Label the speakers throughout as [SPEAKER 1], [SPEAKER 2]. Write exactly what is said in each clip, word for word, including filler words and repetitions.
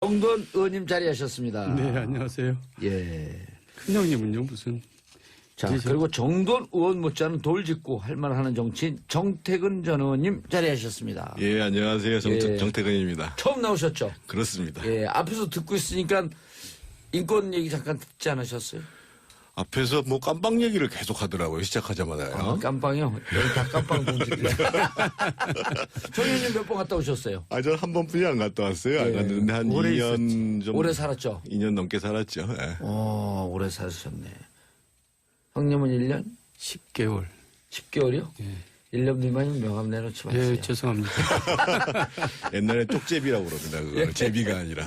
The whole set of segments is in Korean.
[SPEAKER 1] 정돈 의원님 자리하셨습니다.
[SPEAKER 2] 네, 안녕하세요.
[SPEAKER 1] 예.
[SPEAKER 2] 큰형님은요, 무슨.
[SPEAKER 1] 자,
[SPEAKER 2] 계셔?
[SPEAKER 1] 그리고 정돈 의원 못지않은 돌직구 할 말하는 정치인 정태근 전 의원님 자리하셨습니다.
[SPEAKER 3] 예, 안녕하세요. 정,
[SPEAKER 1] 예.
[SPEAKER 3] 정태근입니다.
[SPEAKER 1] 처음 나오셨죠?
[SPEAKER 3] 그렇습니다.
[SPEAKER 1] 예, 앞에서 듣고 있으니까 인권 얘기 잠깐 듣지 않으셨어요?
[SPEAKER 3] 앞에서 뭐 깜빵 얘기를 계속 하더라고요. 시작하자마자요.
[SPEAKER 1] 아, 깜빵이요? 여기 다 깜빵 동지들. 정 의원님 몇 번 갔다 오셨어요?
[SPEAKER 3] 아, 저 한 번뿐이 안 갔다 왔어요. 안
[SPEAKER 1] 예.
[SPEAKER 3] 갔는데 한
[SPEAKER 1] 오래
[SPEAKER 3] 이 년 좀.
[SPEAKER 1] 오래 살았죠?
[SPEAKER 3] 이 년 넘게 살았죠. 예.
[SPEAKER 1] 어, 오래 사셨네. 형님은 일 년?
[SPEAKER 2] 십 개월.
[SPEAKER 1] 십 개월이요?
[SPEAKER 2] 예.
[SPEAKER 1] 일 년 미만이면 명함 내놓지 마세요.
[SPEAKER 2] 예, 죄송합니다.
[SPEAKER 3] 옛날에 쪽제비라고 그럽니다. 그거 제비가 아니라.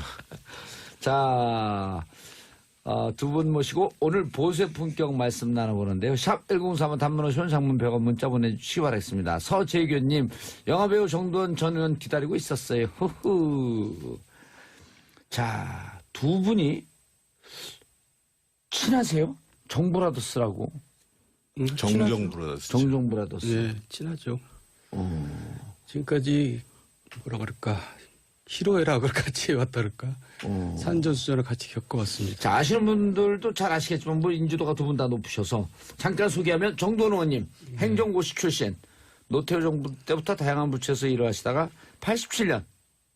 [SPEAKER 1] 자, 어, 두 분 모시고 오늘 보수의 품격 말씀 나눠보는데요. 샵 일공삼은 단문 오시면 장문 백 원 문자 보내주시기 바라겠습니다. 서재규님, 영화배우 정도원 전 의원 기다리고 있었어요. 후후. 자, 두 분이 친하세요? 정브라더스라고.
[SPEAKER 2] 음,
[SPEAKER 3] 정정 브라더스.
[SPEAKER 1] 정정브라더스.
[SPEAKER 2] 예, 친하죠.
[SPEAKER 1] 어,
[SPEAKER 2] 지금까지, 뭐라 그럴까. 희로애락을 같이 해왔다 그럴까.
[SPEAKER 1] 어.
[SPEAKER 2] 산전수전을 같이 겪어왔습니다.
[SPEAKER 1] 자, 아시는 분들도 잘 아시겠지만, 뭐, 인지도가 두 분 다 높으셔서, 잠깐 소개하면 정도원 의원님, 행정고시 출신, 노태우 정부 때부터 다양한 부처에서 일을 하시다가, 팔십칠 년,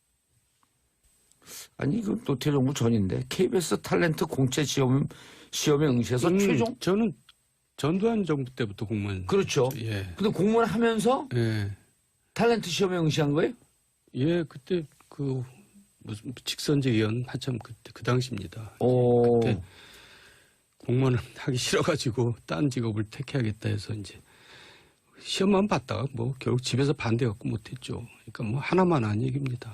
[SPEAKER 1] 아니, 그 노태우 정부 전인데, 케이비에스 탤런트 공채 시험, 시험에 응시해서
[SPEAKER 2] 음,
[SPEAKER 1] 최종?
[SPEAKER 2] 저는 전두환 정부 때부터 공무원.
[SPEAKER 1] 그렇죠.
[SPEAKER 2] 예.
[SPEAKER 1] 근데 공무원 하면서
[SPEAKER 2] 예.
[SPEAKER 1] 탤런트 시험에 응시한 거예요?
[SPEAKER 2] 예, 그때 그, 무슨 직선제 위원 한참 그때 그 당시입니다.
[SPEAKER 1] 오.
[SPEAKER 2] 그때 공무원을 하기 싫어가지고 딴 직업을 택해야겠다 해서 이제 시험만 봤다가 뭐 결국 집에서 반대갖고 못했죠. 그러니까 뭐 하나만 한 얘기입니다.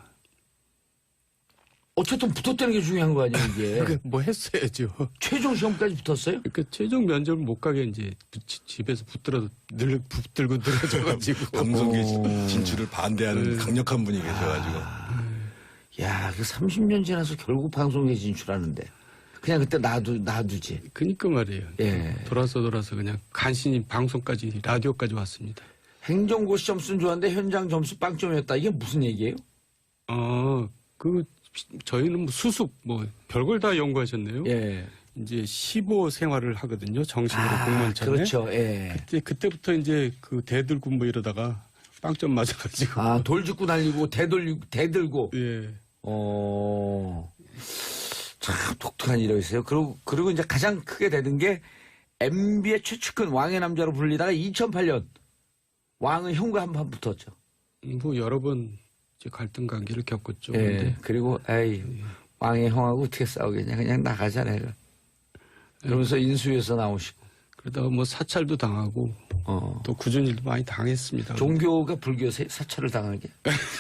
[SPEAKER 1] 어쨌든 붙었다는 게 중요한 거 아니에요, 이게.
[SPEAKER 2] 그러니까 뭐 했어야죠.
[SPEAKER 1] 최종 시험까지 붙었어요?
[SPEAKER 2] 그러니까 최종 면접을 못 가게 이제 지- 집에서 붙들어 늘 붙들고 늘어져가지고
[SPEAKER 3] 방송계
[SPEAKER 1] 오.
[SPEAKER 3] 진출을 반대하는
[SPEAKER 2] 네.
[SPEAKER 3] 강력한 분이 계셔가지고.
[SPEAKER 1] 야, 그 삼십 년 지나서 결국 방송에 진출하는데. 그냥 그때 놔두, 놔두지.
[SPEAKER 2] 그니까 말이에요.
[SPEAKER 1] 예.
[SPEAKER 2] 돌아서 돌아서 그냥 간신히 방송까지 라디오까지 왔습니다.
[SPEAKER 1] 행정고시 점수는 좋았는데 현장 점수 빵점이었다. 이게 무슨 얘기예요?
[SPEAKER 2] 어, 그 저희는 뭐 수습 뭐 별걸 다 연구하셨네요.
[SPEAKER 1] 예.
[SPEAKER 2] 이제 십오 생활을 하거든요. 정식으로
[SPEAKER 1] 아,
[SPEAKER 2] 공무원 전에.
[SPEAKER 1] 그렇죠. 예.
[SPEAKER 2] 그때 그때부터 이제 그 대들고 뭐 이러다가 빵점 맞아가지고.
[SPEAKER 1] 아, 돌 짚고 날리고, 대돌, 대들고.
[SPEAKER 2] 예.
[SPEAKER 1] 어, 참 독특한 일이 있어요. 그리고, 그리고 이제 가장 크게 되는 게 엠비의 최측근 왕의 남자로 불리다가 이천팔 년 왕의 형과 한 판 붙었죠.
[SPEAKER 2] 뭐 여러 번 이제 갈등 관계를 겪었죠.
[SPEAKER 1] 예.
[SPEAKER 2] 근데
[SPEAKER 1] 그리고, 에이, 왕의 형하고 어떻게 싸우겠냐. 그냥 나가자, 내가. 그러면서 인수위에서 나오시고.
[SPEAKER 2] 그러다가 뭐 사찰도 당하고
[SPEAKER 1] 어.
[SPEAKER 2] 또 굳은 일도 많이 당했습니다.
[SPEAKER 1] 종교가 불교 세- 사찰을 당하게.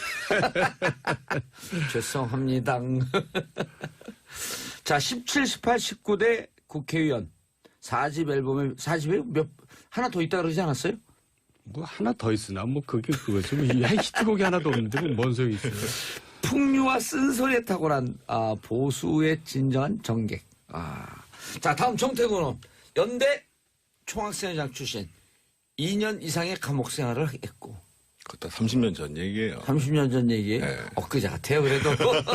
[SPEAKER 1] 죄송합니다. 자, 십칠, 십팔, 십구 대 국회의원. 사 집 앨범에, 사 집에 몇, 하나 더 있다 그러지 않았어요?
[SPEAKER 2] 뭐 하나 더 있으나 뭐 그게 그거죠. 뭐 이 히트곡이 하나도 없는데 뭐 뭔 소용이 있어요.
[SPEAKER 1] 풍류와 쓴소리에 탁월한 아, 보수의 진정한 정객. 아. 자, 다음 정태근 의원. 연대 총학생회장 출신. 이 년 이상의 감옥 생활을 했고.
[SPEAKER 3] 그것도 삼십 년 전 얘기예요.
[SPEAKER 1] 삼십 년 전 얘기예요.
[SPEAKER 3] 네.
[SPEAKER 1] 엊그제 같아요, 그래도.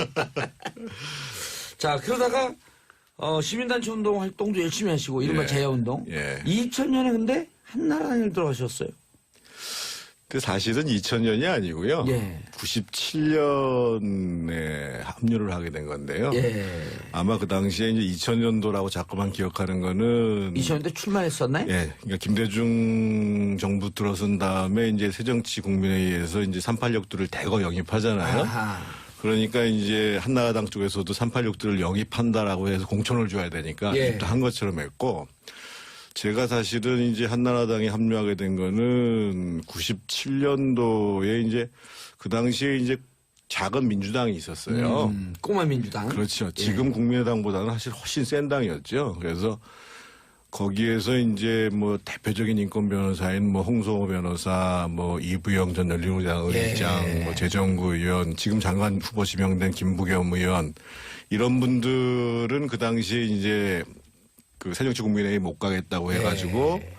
[SPEAKER 1] 자, 그러다가 어, 시민단체 운동 활동도 열심히 하시고 이른바
[SPEAKER 3] 예.
[SPEAKER 1] 제야운동.
[SPEAKER 3] 예.
[SPEAKER 1] 이천 년에 근데 한나라당에 들어가셨어요.
[SPEAKER 3] 근데 사실은 이천 년이 아니고요.
[SPEAKER 1] 예.
[SPEAKER 3] 구십칠 년에 합류를 하게 된 건데요.
[SPEAKER 1] 예.
[SPEAKER 3] 아마 그 당시에 이제 이천 년도라고 자꾸만 기억하는 거는
[SPEAKER 1] 이천 년대 출마했었나요?
[SPEAKER 3] 예, 그러니까 김대중 정부 들어선 다음에 이제 새정치국민회의에서 이제 삼팔육들을 대거 영입하잖아요.
[SPEAKER 1] 아하.
[SPEAKER 3] 그러니까 이제 한나라당 쪽에서도 삼팔육들을 영입한다라고 해서 공천을 줘야 되니까
[SPEAKER 1] 예.
[SPEAKER 3] 입도 한 것처럼 했고, 제가 사실은 이제 한나라당에 합류하게 된 거는 구십칠 년도에 이제 그 당시에 이제 작은 민주당이 있었어요.
[SPEAKER 1] 음, 꼬마 민주당.
[SPEAKER 3] 그렇죠. 지금 국민의당보다는 사실 훨씬 센 당이었죠. 그래서 거기에서 이제 뭐 대표적인 인권 변호사인 뭐 홍성호 변호사, 뭐 이부영 전 열린우리당 의장,
[SPEAKER 1] 예.
[SPEAKER 3] 뭐 재정구 의원, 지금 장관 후보 지명된 김부겸 의원, 이런 분들은 그 당시에 이제 그 새정치국민회의 못 가겠다고 해가지고
[SPEAKER 1] 예.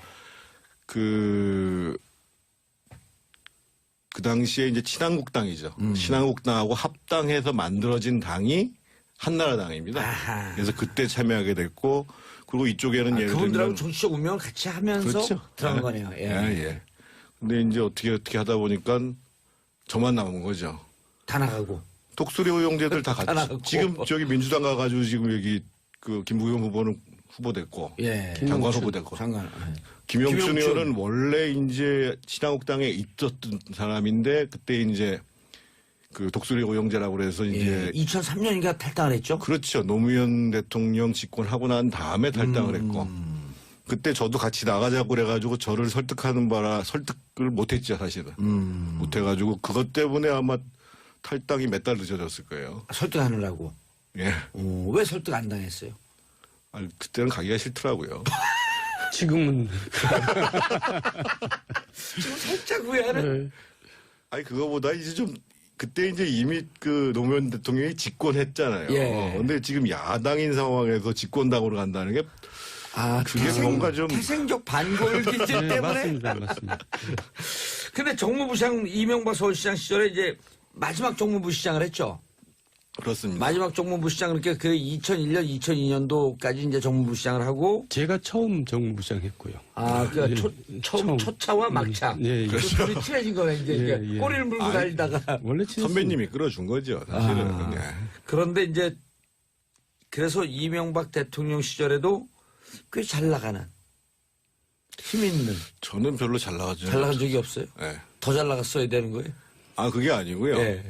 [SPEAKER 3] 그, 그 당시에 이제 친한국당이죠.
[SPEAKER 1] 음.
[SPEAKER 3] 친한국당하고 합당해서 만들어진 당이 한나라당입니다.
[SPEAKER 1] 아하.
[SPEAKER 3] 그래서 그때 참여하게 됐고 그리고 이쪽에는
[SPEAKER 1] 아,
[SPEAKER 3] 예를
[SPEAKER 1] 그분들하고
[SPEAKER 3] 들면
[SPEAKER 1] 정치적 운명을 같이 하면서
[SPEAKER 3] 그렇죠.
[SPEAKER 1] 들어간
[SPEAKER 3] 예.
[SPEAKER 1] 거네요. 예.
[SPEAKER 3] 예, 예. 근데 이제 어떻게 어떻게 하다 보니까 저만 남은 거죠.
[SPEAKER 1] 다 나가고.
[SPEAKER 3] 독수리 호용제들 다
[SPEAKER 1] 다
[SPEAKER 3] 같이.
[SPEAKER 1] 나가고.
[SPEAKER 3] 지금 저기 민주당 가가지고 지금 여기 그 김부겸 후보는 후보됐고.
[SPEAKER 1] 예.
[SPEAKER 3] 장관 후보됐고.
[SPEAKER 1] 장관. 예.
[SPEAKER 3] 김영춘
[SPEAKER 1] 김영춘.
[SPEAKER 3] 의원은 원래 이제 신한국당에 있었던 사람인데 그때 이제 그 독수리 호용제라고 그래서 이제
[SPEAKER 1] 예. 이천삼 년인가 탈당을 했죠?
[SPEAKER 3] 그렇죠. 노무현 대통령 집권하고 난 다음에 탈당을
[SPEAKER 1] 음.
[SPEAKER 3] 했고 그때 저도 같이 나가자고 그래가지고 저를 설득하는 바라 설득을 못했죠 사실은.
[SPEAKER 1] 음.
[SPEAKER 3] 못해가지고 그것 때문에 아마 탈당이 몇 달 늦어졌을 거예요.
[SPEAKER 1] 설득하느라고.
[SPEAKER 3] 예.
[SPEAKER 1] 어, 왜 설득 안 당했어요?
[SPEAKER 3] 아, 그때는 가기가 싫더라고요.
[SPEAKER 2] 지금은
[SPEAKER 1] 지금 살짝 후회하는.
[SPEAKER 2] 네.
[SPEAKER 3] 아니 그거보다 이제 좀 그때 이제 이미 그 노무현 대통령이 집권했잖아요.
[SPEAKER 1] 예.
[SPEAKER 3] 근데 지금 야당인 상황에서 집권당으로 간다는 게
[SPEAKER 1] 아,
[SPEAKER 3] 그게
[SPEAKER 1] 태생,
[SPEAKER 3] 뭔가 좀-
[SPEAKER 1] 태생적 반골 기질
[SPEAKER 2] 네,
[SPEAKER 1] 때문에.
[SPEAKER 2] 맞습니다, 맞습니다.
[SPEAKER 1] 근데 정무부시장 이명박 서울시장 시절에 이제 마지막 정무부시장을 했죠.
[SPEAKER 3] 그렇습니다.
[SPEAKER 1] 마지막 정무부시장 그러니까 그 이천일 년, 이천이 년도까지 이제 정무부시장을 하고
[SPEAKER 2] 제가 처음 정무부장 했고요.
[SPEAKER 1] 아, 그
[SPEAKER 2] 예,
[SPEAKER 1] 초, 처음
[SPEAKER 2] 처음.
[SPEAKER 1] 초차와 막차.
[SPEAKER 2] 예, 예.
[SPEAKER 1] 그 둘이 친해진 거네 이제
[SPEAKER 2] 예,
[SPEAKER 1] 이게
[SPEAKER 2] 예.
[SPEAKER 1] 꼬리를 물고
[SPEAKER 3] 아니,
[SPEAKER 1] 다니다가
[SPEAKER 2] 원래 친했습니다.
[SPEAKER 3] 선배님이 끌어준 거죠. 사실은.
[SPEAKER 1] 아.
[SPEAKER 3] 예.
[SPEAKER 1] 그런데 이제 그래서 이명박 대통령 시절에도 꽤 잘 나가는 힘 있는
[SPEAKER 3] 저는 별로 잘 나가죠.
[SPEAKER 1] 잘 나간 적이 없어요.
[SPEAKER 3] 예.
[SPEAKER 1] 더 잘 나갔어야 되는 거예요.
[SPEAKER 3] 아 그게 아니고요.
[SPEAKER 1] 예.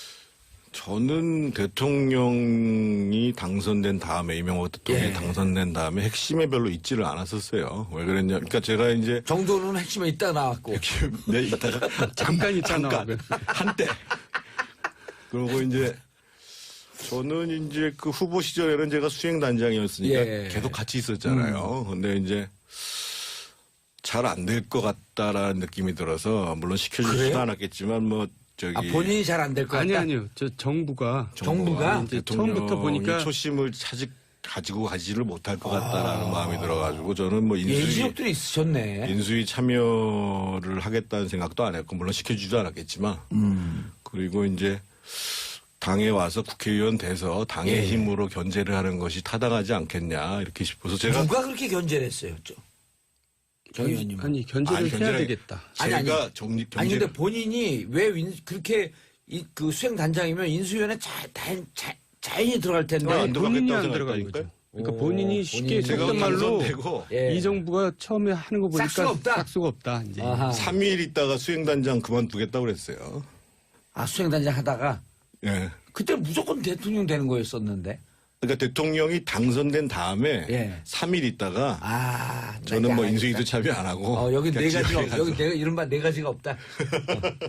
[SPEAKER 3] 저는 대통령이 당선된 다음에 이명박 대통령이
[SPEAKER 1] 예.
[SPEAKER 3] 당선된 다음에 핵심에 별로 있지를 않았었어요. 왜 그랬냐? 그러니까 제가 이제
[SPEAKER 1] 정도는 핵심에 있다 나왔고.
[SPEAKER 3] 네 이따가
[SPEAKER 2] 잠깐 있잖아.
[SPEAKER 3] 잠깐 한때 그리고 이제 저는 이제 그 후보 시절에는 제가 수행단장이었으니까
[SPEAKER 1] 예.
[SPEAKER 3] 계속 같이 있었잖아요. 근데 이제 잘 안 될 것 같다라는 느낌이 들어서 물론 시켜주지도
[SPEAKER 1] 그래요?
[SPEAKER 3] 않았겠지만 뭐 저기
[SPEAKER 1] 아, 본인이 잘 안 될 것 같다.
[SPEAKER 2] 아니 아니요. 저 정부가
[SPEAKER 1] 정부가
[SPEAKER 2] 이제
[SPEAKER 3] 대통령이
[SPEAKER 2] 처음부터 보니까
[SPEAKER 3] 초심을 차지 가지고 가지를 못할 것 같다라는 마음이 들어가지고 저는 뭐 인수위
[SPEAKER 1] 예지력들이 있으셨네.
[SPEAKER 3] 인수위 참여를 하겠다는 생각도 안 했고 물론 시켜주지도 않았겠지만
[SPEAKER 1] 음.
[SPEAKER 3] 그리고 이제 당에 와서 국회의원 돼서 당의
[SPEAKER 1] 예.
[SPEAKER 3] 힘으로 견제를 하는 것이 타당하지 않겠냐 이렇게 싶어서 제가
[SPEAKER 1] 누가 그렇게 견제를 했어요? 저- 정 의원님.
[SPEAKER 2] 아니 견제를
[SPEAKER 3] 아니,
[SPEAKER 2] 해야
[SPEAKER 3] 견제를-
[SPEAKER 2] 되겠다.
[SPEAKER 1] 아니, 아니.
[SPEAKER 3] 제가 정리
[SPEAKER 1] 아니
[SPEAKER 3] 견제
[SPEAKER 1] 근데 본인이 왜 인- 그렇게 이, 그 수행 단장이면 인수위원회 자, 자, 자, 자연히 들어갈 텐데.
[SPEAKER 3] 안
[SPEAKER 2] 아니,
[SPEAKER 3] 들어가겠다고
[SPEAKER 2] 본인이 안
[SPEAKER 3] 생각했다니까요.
[SPEAKER 2] 들어간 거죠. 그러니까
[SPEAKER 1] 오,
[SPEAKER 2] 본인이 쉽게
[SPEAKER 1] 본인이.
[SPEAKER 3] 제가
[SPEAKER 2] 속된 말로
[SPEAKER 3] 당선되고
[SPEAKER 1] 예.
[SPEAKER 2] 이 정부가 처음에 하는 거 보니까
[SPEAKER 1] 싹수가 없다.
[SPEAKER 2] 싹수가 없다. 이제
[SPEAKER 1] 아하.
[SPEAKER 3] 삼 일 있다가 수행단장 그만두겠다고 그랬어요.
[SPEAKER 1] 아 수행 단장 하다가
[SPEAKER 3] 예.
[SPEAKER 1] 그때 무조건 대통령 되는 거였었는데.
[SPEAKER 3] 그러니까 대통령이 당선된 다음에
[SPEAKER 1] 예.
[SPEAKER 3] 삼 일 있다가
[SPEAKER 1] 아
[SPEAKER 3] 저는 뭐
[SPEAKER 1] 나 이제
[SPEAKER 3] 인수위도
[SPEAKER 1] 알겠다.
[SPEAKER 3] 참여 안 하고
[SPEAKER 1] 어, 여기 네
[SPEAKER 3] 그냥
[SPEAKER 1] 가지가
[SPEAKER 3] 집에
[SPEAKER 1] 없,
[SPEAKER 3] 가서.
[SPEAKER 1] 여기 내가 이른바 네 가지가 없다. 어.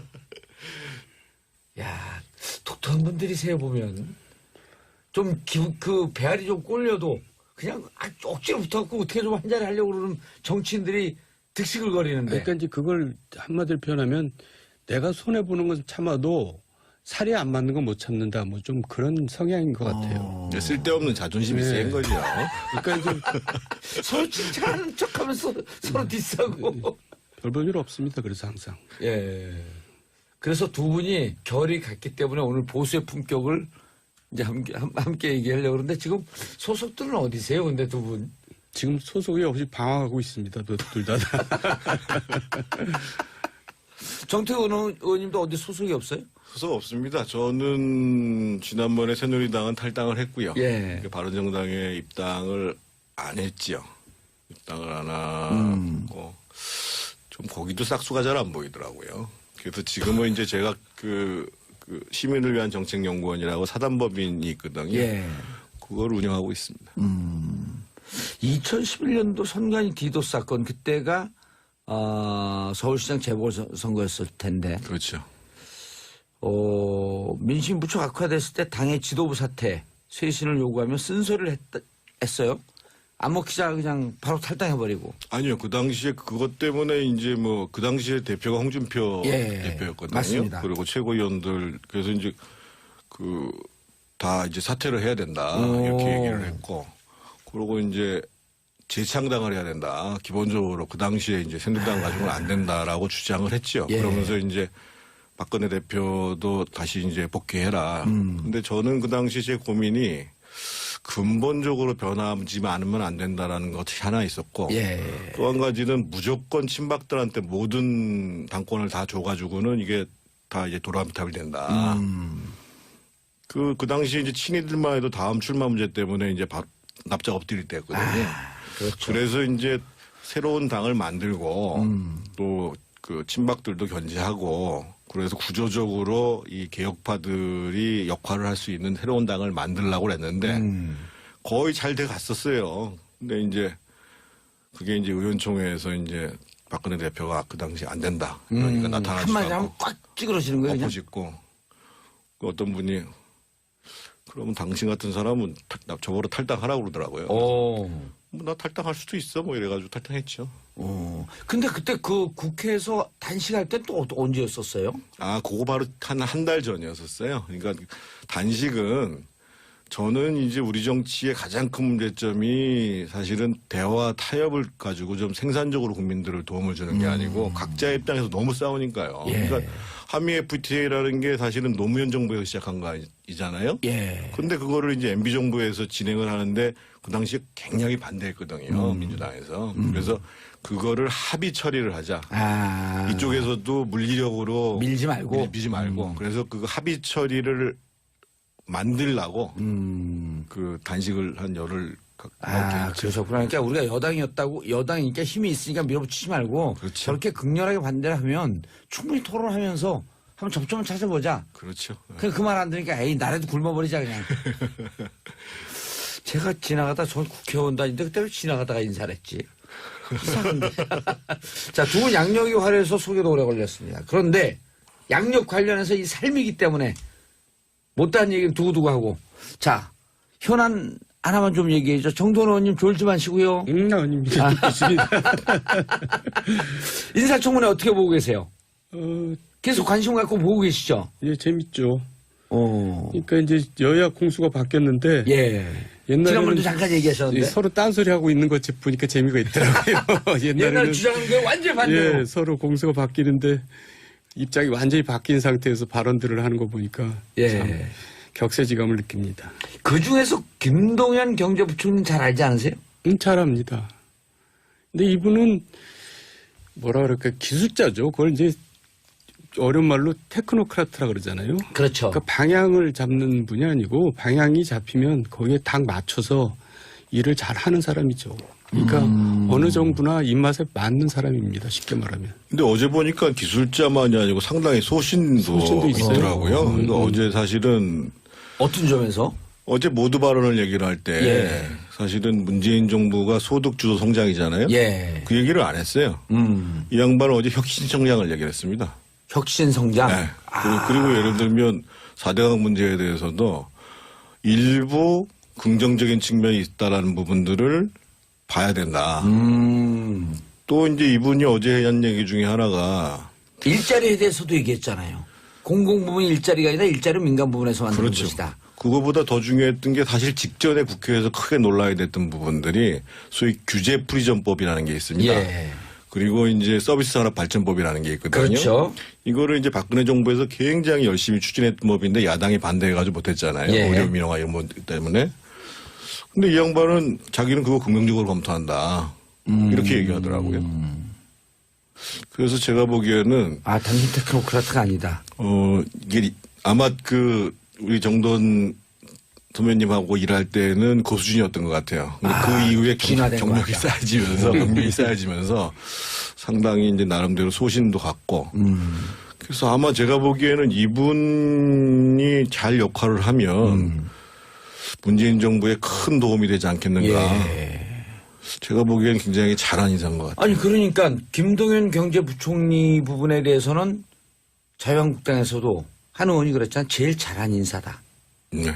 [SPEAKER 1] 야 독특한 분들이세요 보면 좀 그 배알이 좀 꼴려도 그냥 아, 억지로 붙어갖고 어떻게 좀 한 자리 하려고 그러는 정치인들이 득식을 거리는데.
[SPEAKER 2] 그러니까 이제 그걸 한마디로 표현하면 내가 손해 보는 건 참아도 살이 안 맞는 건 못 참는다. 뭐 좀 그런 성향인 것 같아요.
[SPEAKER 3] 네, 쓸데없는 자존심이
[SPEAKER 2] 네.
[SPEAKER 3] 센 거죠.
[SPEAKER 2] 그러니까 이제
[SPEAKER 1] 서로 칭찬하는 척하면서 서로 디스하고.
[SPEAKER 2] 별 볼 일 없습니다. 그래서 항상.
[SPEAKER 1] 예. 그래서 두 분이 결이 같기 때문에 오늘 보수의 품격을 이제 함께, 함- 함께 얘기하려고 그러는데 지금 소속들은 어디세요? 근데 두 분.
[SPEAKER 2] 지금 소속이 없이 방황하고 있습니다. 둘 다.
[SPEAKER 1] 정태근 의원님도 어디 소속이 없어요?
[SPEAKER 3] 소속 없습니다. 저는 지난번에 새누리당은 탈당을 했고요.
[SPEAKER 1] 예.
[SPEAKER 3] 바른정당에 입당을 안 했지요. 입당을 안
[SPEAKER 1] 음.
[SPEAKER 3] 하고 좀 거기도 싹수가 잘 안 보이더라고요. 그래서 지금은 이제 제가 그, 그 시민을 위한 정책연구원이라고 사단법인이 있거든요.
[SPEAKER 1] 예.
[SPEAKER 3] 그걸 운영하고 있습니다.
[SPEAKER 1] 이천십일 년도 선관위 디도스 사건 그때가 어, 서울시장 재보궐선거였을 텐데
[SPEAKER 3] 그렇죠.
[SPEAKER 1] 어, 민심 무척 악화됐을 때 당의 지도부 사퇴 쇄신을 요구하며 쓴소리를 했, 했어요. 안 먹히자 그냥 바로 탈당해버리고.
[SPEAKER 3] 아니요. 그 당시에 그것 때문에 이제 뭐 그 당시에 대표가 홍준표
[SPEAKER 1] 예,
[SPEAKER 3] 대표였거든요.
[SPEAKER 1] 맞습니다.
[SPEAKER 3] 그리고 최고위원들 그래서 이제 그 다 이제 사퇴를 해야 된다
[SPEAKER 1] 오.
[SPEAKER 3] 이렇게 얘기를 했고 그리고 이제 재창당을 해야 된다. 기본적으로 그 당시에 이제 새누리당 가지고는 안 된다라고 주장을 했죠.
[SPEAKER 1] 예.
[SPEAKER 3] 그러면서 이제 박근혜 대표도 다시 이제 복귀해라.
[SPEAKER 1] 음.
[SPEAKER 3] 근데 저는 그 당시 제 고민이 근본적으로 변하지 않으면 안 된다라는 것이 하나 있었고
[SPEAKER 1] 예.
[SPEAKER 3] 또 한 가지는 무조건 친박들한테 모든 당권을 다 줘가지고는 이게 다 이제 도라미탑이 된다.
[SPEAKER 1] 음.
[SPEAKER 3] 그, 그 당시 이제 친이들만 해도 다음 출마 문제 때문에 이제 바, 납작 엎드릴 때였거든요.
[SPEAKER 1] 아, 그렇죠.
[SPEAKER 3] 그래서 이제 새로운 당을 만들고
[SPEAKER 1] 음.
[SPEAKER 3] 또 그 친박들도 견제하고 그래서 구조적으로 이 개혁파들이 역할을 할 수 있는 새로운 당을 만들려고 했는데
[SPEAKER 1] 음.
[SPEAKER 3] 거의 잘 돼 갔었어요. 근데 이제 그게 이제 의원총회에서 이제 박근혜 대표가 그 당시 안 된다. 그러니까
[SPEAKER 1] 음.
[SPEAKER 3] 나타나지
[SPEAKER 1] 한마디 하면
[SPEAKER 3] 않고
[SPEAKER 1] 꽉 찌그러지는 거예요. 그냥?
[SPEAKER 3] 엎어짓고 그 어떤 분이 그러면 당신 같은 사람은 탈- 나 저보러 탈당하라고 그러더라고요.
[SPEAKER 1] 오.
[SPEAKER 3] 뭐 나 탈당할 수도 있어 뭐 이래가지고 탈당했죠.
[SPEAKER 1] 어. 근데 그때 그 국회에서 단식할 때 또 언제였었어요?
[SPEAKER 3] 아, 그거 바로 한 한 달 전이었었어요. 그러니까 단식은 저는 이제 우리 정치의 가장 큰 문제점이 사실은 대화 타협을 가지고 좀 생산적으로 국민들을 도움을 주는 게 아니고 각자의 입장에서 너무 싸우니까요.
[SPEAKER 1] 예.
[SPEAKER 3] 그러니까 한미 에프티에이라는 게 사실은 노무현 정부에서 시작한 거이잖아요.
[SPEAKER 1] 예.
[SPEAKER 3] 근데 그거를 이제 엠비 정부에서 진행을 하는데 그 당시에 굉장히 반대했거든요.
[SPEAKER 1] 음.
[SPEAKER 3] 민주당에서. 그래서 그거를 합의 처리를 하자.
[SPEAKER 1] 아.
[SPEAKER 3] 이쪽에서도 물리력으로
[SPEAKER 1] 밀지 말고?
[SPEAKER 3] 밀, 밀지 말고 그래서 그 합의 처리를 만들라고
[SPEAKER 1] 음.
[SPEAKER 3] 그 단식을 한 열흘 가-
[SPEAKER 1] 아,
[SPEAKER 3] 넘게 했죠.
[SPEAKER 1] 그러셨구나. 그러니까 우리가 여당이었다고, 여당이니까 힘이 있으니까 밀어붙이지 말고,
[SPEAKER 3] 그렇죠.
[SPEAKER 1] 저렇게 극렬하게 반대를 하면 충분히 토론하면서 한번 접점을 찾아보자.
[SPEAKER 3] 그렇죠.
[SPEAKER 1] 그, 그 말 안 들으니까, 에이, 나라도 굶어버리자, 그냥. 제가 지나가다, 전 국회의원 다니는데 그때 왜 지나가다가 인사를 했지? 이상한데. 자, 두 분 양력이 화려해서 소개도 오래 걸렸습니다. 그런데 양력 관련해서 이 삶이기 때문에 못다한 얘기는 두고두고 하고. 자, 현안 하나만 좀 얘기해줘. 정돈 의원님 졸지 마시고요.
[SPEAKER 2] 음, 아닙니다. 듣고 있습니다.
[SPEAKER 1] 인사청문회 어떻게 보고 계세요?
[SPEAKER 2] 어,
[SPEAKER 1] 계속 관심 갖고 보고 계시죠?
[SPEAKER 2] 예, 재밌죠.
[SPEAKER 1] 어.
[SPEAKER 2] 그러니까 이제 여야 공수가 바뀌었는데
[SPEAKER 1] 예. 지난번에도
[SPEAKER 2] 옛날에는
[SPEAKER 1] 잠깐 얘기하셨는데.
[SPEAKER 2] 서로 딴소리 하고 있는 것 보니까 재미가 있더라고요.
[SPEAKER 1] 옛날
[SPEAKER 2] 옛날에는
[SPEAKER 1] 주장한 게 완전히 반대로.
[SPEAKER 2] 예, 서로 공수가 바뀌는데 입장이 완전히 바뀐 상태에서 발언들을 하는 거 보니까
[SPEAKER 1] 예.
[SPEAKER 2] 참 격세지감을 느낍니다.
[SPEAKER 1] 그 중에서 김동연 경제부총리 잘 알지 않으세요?
[SPEAKER 2] 음, 잘합니다. 근데 이분은 뭐라 그럴까 기술자죠. 그걸 이제 어려운 말로 테크노크라트라 그러잖아요.
[SPEAKER 1] 그렇죠.
[SPEAKER 2] 그러니까 방향을 잡는 분이 아니고 방향이 잡히면 거기에 딱 맞춰서 일을 잘 하는 사람이죠. 그러니까
[SPEAKER 1] 음.
[SPEAKER 2] 어느 정부나 입맛에 맞는 사람입니다. 쉽게 말하면.
[SPEAKER 3] 근데 어제 보니까 기술자만이 아니고 상당히 소신도,
[SPEAKER 2] 소신도 있어요.
[SPEAKER 3] 있더라고요.
[SPEAKER 2] 음.
[SPEAKER 3] 그러니까 어제 사실은
[SPEAKER 1] 어떤 점에서?
[SPEAKER 3] 어제 모두 발언을 얘기를 할 때
[SPEAKER 1] 예.
[SPEAKER 3] 사실은 문재인 정부가 소득 주도 성장이잖아요.
[SPEAKER 1] 예.
[SPEAKER 3] 그 얘기를 안 했어요.
[SPEAKER 1] 음.
[SPEAKER 3] 이 양반은 어제 혁신 성장을 얘기를 했습니다.
[SPEAKER 1] 혁신 성장.
[SPEAKER 3] 네.
[SPEAKER 1] 아.
[SPEAKER 3] 그리고, 그리고 예를 들면 사대강 문제에 대해서도 일부 긍정적인 측면이 있다라는 부분들을 봐야 된다.
[SPEAKER 1] 음.
[SPEAKER 3] 또 이제 이분이 어제 한 얘기 중에 하나가
[SPEAKER 1] 일자리에 대해서도 얘기했잖아요. 공공부문 일자리가 아니라 일자리 민간 부분에서 만드는
[SPEAKER 3] 그렇죠.
[SPEAKER 1] 것이다.
[SPEAKER 3] 그거보다 더 중요했던 게 사실 직전에 국회에서 크게 논란이 됐던 부분들이 소위 규제 프리전법이라는 게 있습니다.
[SPEAKER 1] 예.
[SPEAKER 3] 그리고 이제 서비스 산업 발전법이라는 게 있거든요.
[SPEAKER 1] 그렇죠.
[SPEAKER 3] 이거를 이제 박근혜 정부에서 굉장히 열심히 추진했던 법인데 야당이 반대해가지고 못했잖아요.
[SPEAKER 1] 예.
[SPEAKER 3] 의료 민영화 이런 것 때문에. 근데 이 양반은 자기는 그거 긍정적으로 검토한다.
[SPEAKER 1] 음.
[SPEAKER 3] 이렇게 얘기하더라고요. 그래서 제가 보기에는
[SPEAKER 1] 아, 당신 테크노크라트가 아니다.
[SPEAKER 3] 어 이게 아마 그 우리 정돈 선배님하고 일할 때는 그 수준이었던 것 같아요. 근데
[SPEAKER 1] 아,
[SPEAKER 3] 그 이후에
[SPEAKER 1] 진화된
[SPEAKER 3] 경, 경력이
[SPEAKER 1] 것 같다.
[SPEAKER 3] 쌓여지면서 경력이 쌓여지면서 상당히 이제 나름대로 소신도 갖고
[SPEAKER 1] 음.
[SPEAKER 3] 그래서 아마 제가 보기에는 이분이 잘 역할을 하면
[SPEAKER 1] 음.
[SPEAKER 3] 문재인 정부에 큰 도움이 되지 않겠는가.
[SPEAKER 1] 예.
[SPEAKER 3] 제가 보기에는 굉장히 잘한 인사인 것 같아요.
[SPEAKER 1] 아니, 그러니까 김동연 경제부총리 부분에 대해서는 자유한국당에서도 한 의원이 그랬잖아요. 제일 잘한 인사다.
[SPEAKER 3] 네.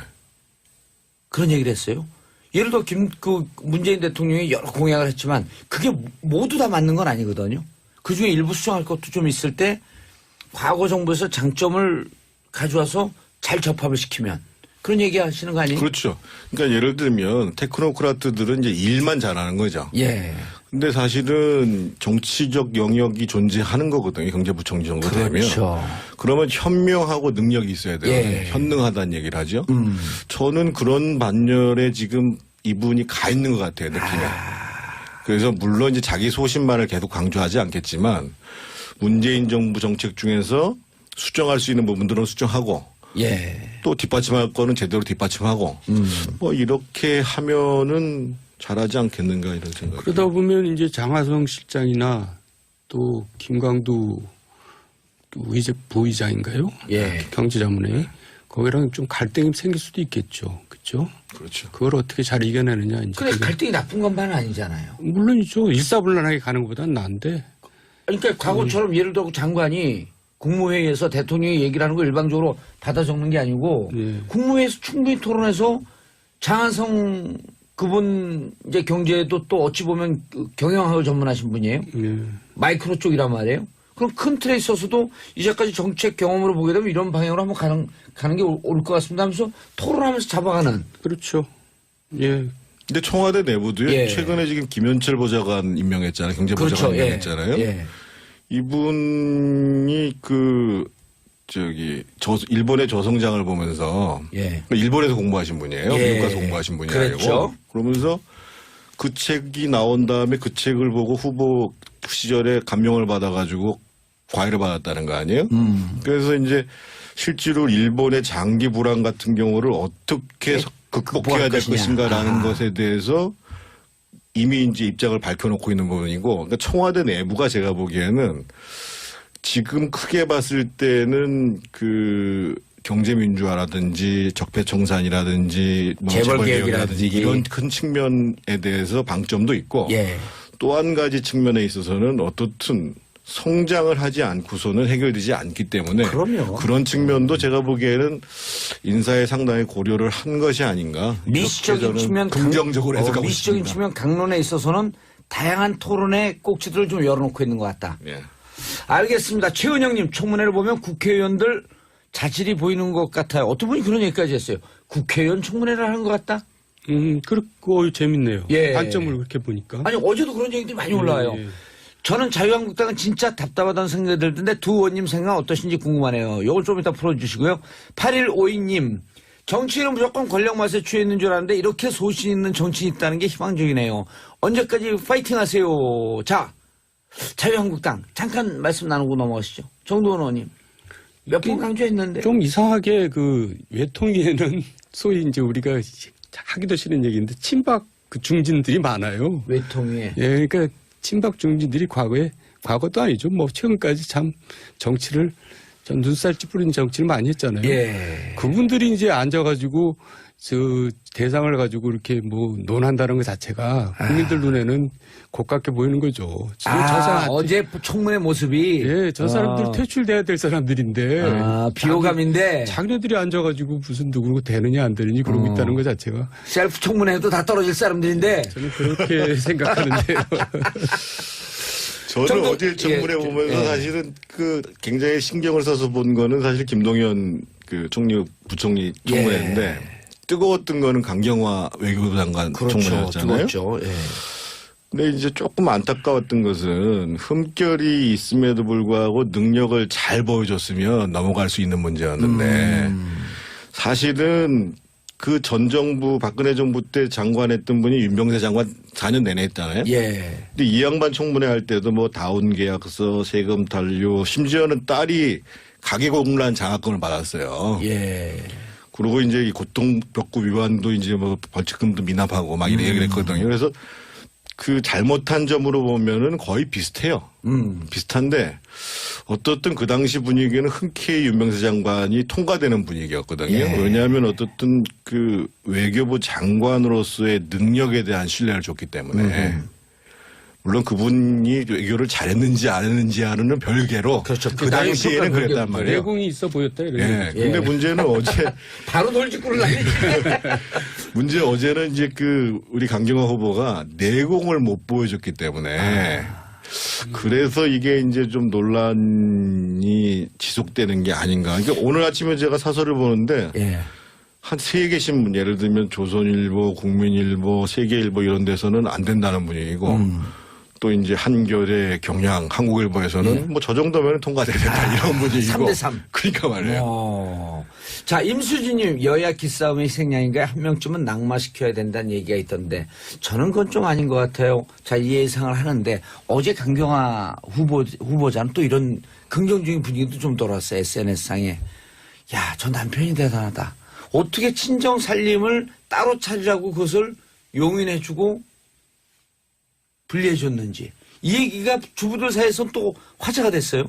[SPEAKER 1] 그런 얘기를 했어요. 예를 들어 김, 그 문재인 대통령이 여러 공약을 했지만 그게 모두 다 맞는 건 아니거든요. 그 중에 일부 수정할 것도 좀 있을 때 과거 정부에서 장점을 가져와서 잘 접합을 시키면 그런 얘기 하시는 거 아니에요?
[SPEAKER 3] 그렇죠. 그러니까 예를 들면 테크노크라트들은 이제 일만 잘하는 거죠.
[SPEAKER 1] 예.
[SPEAKER 3] 근데 사실은 정치적 영역이 존재하는 거거든요. 경제부총리 정도 되면.
[SPEAKER 1] 그렇죠.
[SPEAKER 3] 그러면 현명하고 능력이 있어야 돼요.
[SPEAKER 1] 예.
[SPEAKER 3] 현능하다는 얘기를 하죠.
[SPEAKER 1] 음.
[SPEAKER 3] 저는 그런 반열에 지금 이분이 가 있는 것 같아요. 느낌에.
[SPEAKER 1] 아.
[SPEAKER 3] 그래서 물론 이제 자기 소신만을 계속 강조하지 않겠지만 문재인 정부 정책 중에서 수정할 수 있는 부분들은 수정하고
[SPEAKER 1] 예.
[SPEAKER 3] 또 뒷받침할 거는 제대로 뒷받침하고
[SPEAKER 1] 음.
[SPEAKER 3] 뭐 이렇게 하면은 잘하지 않겠는가 이런 생각.
[SPEAKER 2] 그러다 보면 이제 장하성 실장이나 또 김광두 의제 부의장인가요?
[SPEAKER 1] 예.
[SPEAKER 2] 경제자문회 거기랑 좀 갈등이 생길 수도 있겠죠. 그렇죠?
[SPEAKER 3] 그렇죠.
[SPEAKER 2] 그걸 어떻게 잘 이겨내느냐. 이제
[SPEAKER 1] 근데
[SPEAKER 2] 그게.
[SPEAKER 1] 갈등이 나쁜 것만은 아니잖아요.
[SPEAKER 2] 물론이죠. 일사불란하게 가는 것보다는 나은데.
[SPEAKER 1] 그러니까 과거처럼 예를 들어 장관이 국무회의에서 대통령이 얘기를 하는 거 일방적으로 받아 적는 게 아니고
[SPEAKER 2] 예.
[SPEAKER 1] 국무회의에서 충분히 토론해서 장하성 그분 이제 경제도 또 어찌 보면 그 경영학을 전문하신 분이에요.
[SPEAKER 2] 예.
[SPEAKER 1] 마이크로 쪽이란 말이에요. 그럼 큰 틀에 있어서도 이제까지 정책 경험으로 보게 되면 이런 방향으로 한번 가는, 가는 게 옳을 것 같습니다 하면서 토론하면서 잡아가는.
[SPEAKER 2] 그렇죠. 예.
[SPEAKER 3] 근데 청와대 내부도요.
[SPEAKER 1] 예.
[SPEAKER 3] 최근에 지금 김현철 보좌관 임명했잖아요. 경제보좌관
[SPEAKER 1] 그렇죠. 예.
[SPEAKER 3] 임명했잖아요.
[SPEAKER 1] 예.
[SPEAKER 3] 이분이 그 저기 저 일본의 저성장을 보면서
[SPEAKER 1] 예.
[SPEAKER 3] 일본에서 공부하신 분이에요.
[SPEAKER 1] 예.
[SPEAKER 3] 미국 가서 공부하신 분이
[SPEAKER 1] 그렇죠.
[SPEAKER 3] 아니고 그러면서 그 책이 나온 다음에 그 책을 보고 후보 시절에 감명을 받아가지고 과외를 받았다는 거 아니에요?
[SPEAKER 1] 음.
[SPEAKER 3] 그래서 이제 실제로 일본의 장기 불황 같은 경우를 어떻게
[SPEAKER 1] 네.
[SPEAKER 3] 극복해야 될
[SPEAKER 1] 것이냐.
[SPEAKER 3] 것인가라는
[SPEAKER 1] 아.
[SPEAKER 3] 것에 대해서 이미 이제 입장을 밝혀놓고 있는 부분이고, 그러니까 청와대 내부가 제가 보기에는 지금 크게 봤을 때는 그 경제민주화라든지 적폐청산이라든지 뭐
[SPEAKER 1] 재벌개혁이라든지.
[SPEAKER 3] 재벌개혁이라든지 이런 큰 측면에 대해서 방점도 있고
[SPEAKER 1] 예.
[SPEAKER 3] 또 한 가지 측면에 있어서는 어떻든 성장을 하지 않고서는 해결되지 않기 때문에
[SPEAKER 1] 그럼요.
[SPEAKER 3] 그런 측면도 제가 보기에는 인사에 상당히 고려를 한 것이 아닌가.
[SPEAKER 1] 미시적인
[SPEAKER 3] 이렇게 저는
[SPEAKER 1] 측면
[SPEAKER 3] 긍정적으로
[SPEAKER 1] 강-
[SPEAKER 3] 해석하고
[SPEAKER 1] 어, 미시적인
[SPEAKER 3] 있습니다.
[SPEAKER 1] 측면 강론에 있어서는 다양한 토론의 꼭지들을 좀 열어놓고 있는 것 같다.
[SPEAKER 3] 예.
[SPEAKER 1] 알겠습니다. 최은영님 청문회를 보면 국회의원들 자질이 보이는 것 같아요. 어떤 분이 그런 얘기까지 했어요. 국회의원 청문회를 하는 것 같다?
[SPEAKER 2] 음, 그렇고 재밌네요.
[SPEAKER 1] 예.
[SPEAKER 2] 관점을 그렇게 보니까.
[SPEAKER 1] 아니 어제도 그런 얘기들이 많이 올라와요.
[SPEAKER 2] 예.
[SPEAKER 1] 저는 자유한국당은 진짜 답답하다는 생각이 들던데 두 의원님 생각 어떠신지 궁금하네요. 이걸 좀 이따 풀어주시고요. 팔일오이님 정치인은 무조건 권력 맛에 취해 있는 줄 알았는데 이렇게 소신 있는 정치인이 있다는 게 희망적이네요. 언제까지 파이팅 하세요. 자, 자유한국당 잠깐 말씀 나누고 넘어가시죠. 정도원 의원님. 몇 번 강조했는데.
[SPEAKER 2] 좀 이상하게 그 외통위에는 소위 이제 우리가 하기도 싫은 얘기인데 친박 그 중진들이 많아요.
[SPEAKER 1] 외통위에.
[SPEAKER 2] 예, 그러니까 친박 중진들이 과거에 과거도 아니죠. 뭐 최근까지 참 정치를 전 눈살 찌푸린 정치를 많이 했잖아요.
[SPEAKER 1] 예.
[SPEAKER 2] 그분들이 이제 앉아가지고 저 대상을 가지고 이렇게 뭐 논한다는 것 자체가 국민들 눈에는 고깝게 보이는 거죠. 지금
[SPEAKER 1] 아,
[SPEAKER 2] 저 사람
[SPEAKER 1] 어제 청문회 모습이.
[SPEAKER 2] 예, 저 사람들
[SPEAKER 1] 아.
[SPEAKER 2] 퇴출돼야 될 사람들인데
[SPEAKER 1] 아, 비호감인데.
[SPEAKER 2] 자기네들이 앉아가지고 무슨 누구고 되느냐 안 되느냐 그러고
[SPEAKER 1] 어.
[SPEAKER 2] 있다는 것 자체가
[SPEAKER 1] 셀프 청문회도 다 떨어질 사람들인데.
[SPEAKER 2] 저는 그렇게 생각하는데요.
[SPEAKER 3] 저는
[SPEAKER 1] 정도-
[SPEAKER 3] 어제 청문회
[SPEAKER 1] 예,
[SPEAKER 3] 보면서
[SPEAKER 1] 예.
[SPEAKER 3] 사실은 그 굉장히 신경을 써서 본 거는 사실 김동연 그 총리 부총리 청문회인데
[SPEAKER 1] 예.
[SPEAKER 3] 뜨거웠던 거는 강경화 외교부 장관 청문회였잖아요.
[SPEAKER 1] 뜨겁죠. 예.
[SPEAKER 3] 근데 이제 조금 안타까웠던 것은 흠결이 있음에도 불구하고 능력을 잘 보여줬으면 넘어갈 수 있는 문제였는데
[SPEAKER 1] 음.
[SPEAKER 3] 사실은 그 전 정부 박근혜 정부 때 장관했던 분이 윤병세 장관 사 년 내내 했잖아요.
[SPEAKER 1] 예.
[SPEAKER 3] 근데 이 양반 청문회 할 때도 뭐 다운 계약서, 세금 단류, 심지어는 딸이 가계공란 장학금을 받았어요.
[SPEAKER 1] 예.
[SPEAKER 3] 그리고 이제 이 고통벽구 위반도 이제 뭐 벌칙금도 미납하고 막 이런
[SPEAKER 1] 음.
[SPEAKER 3] 얘기를 했거든요. 그래서 그 잘못한 점으로 보면은 거의 비슷해요.
[SPEAKER 1] 음.
[SPEAKER 3] 비슷한데 어떻든 그 당시 분위기는 흔쾌히 윤병세 장관이 통과되는 분위기였거든요.
[SPEAKER 1] 예.
[SPEAKER 3] 왜냐하면 어떻든 그 외교부 장관으로서의 능력에 대한 신뢰를 줬기 때문에
[SPEAKER 1] 음.
[SPEAKER 3] 물론 그분이 외교를 잘했는지 안 했는지와는 별개로
[SPEAKER 1] 그렇죠.
[SPEAKER 3] 그
[SPEAKER 1] 그
[SPEAKER 3] 당시에는
[SPEAKER 1] 나이
[SPEAKER 3] 그랬단
[SPEAKER 1] 평가는
[SPEAKER 3] 말이에요.
[SPEAKER 2] 내공이 있어 보였다 이런
[SPEAKER 3] 예.
[SPEAKER 2] 얘기죠.
[SPEAKER 3] 근데
[SPEAKER 1] 예.
[SPEAKER 3] 문제는 어제
[SPEAKER 1] 바로 돌직구를 날리지.
[SPEAKER 3] 문제 어제는 이제 그 우리 강경화 후보가 내공을 못 보여줬기 때문에 그래서 이게 이제 좀 논란이 지속되는 게 아닌가. 그러니까 오늘 아침에 제가 사설을 보는데
[SPEAKER 1] 예.
[SPEAKER 3] 한 세 개 신문 예를 들면 조선일보, 국민일보, 세계일보 이런 데서는 안 된다는 분위기고
[SPEAKER 1] 음.
[SPEAKER 3] 또 이제 한겨레, 경향, 한국일보에서는
[SPEAKER 1] 예.
[SPEAKER 3] 뭐 저 정도면 통과돼야 된다 이런 분위기고.
[SPEAKER 1] 삼 대 삼.
[SPEAKER 3] 그러니까 말이에요.
[SPEAKER 1] 어. 자, 임수진님, 여야 기싸움의 생량인가요? 한 명쯤은 낙마시켜야 된다는 얘기가 있던데, 저는 그건 좀 아닌 것 같아요. 자, 이 예상을 하는데, 어제 강경화 후보, 후보자는 또 이런 긍정적인 분위기도 좀 돌았어요. 에스엔에스상에. 야, 저 남편이 대단하다. 어떻게 친정 살림을 따로 차리라고 그것을 용인해주고 분리해줬는지. 이 얘기가 주부들 사이에서 또 화제가 됐어요.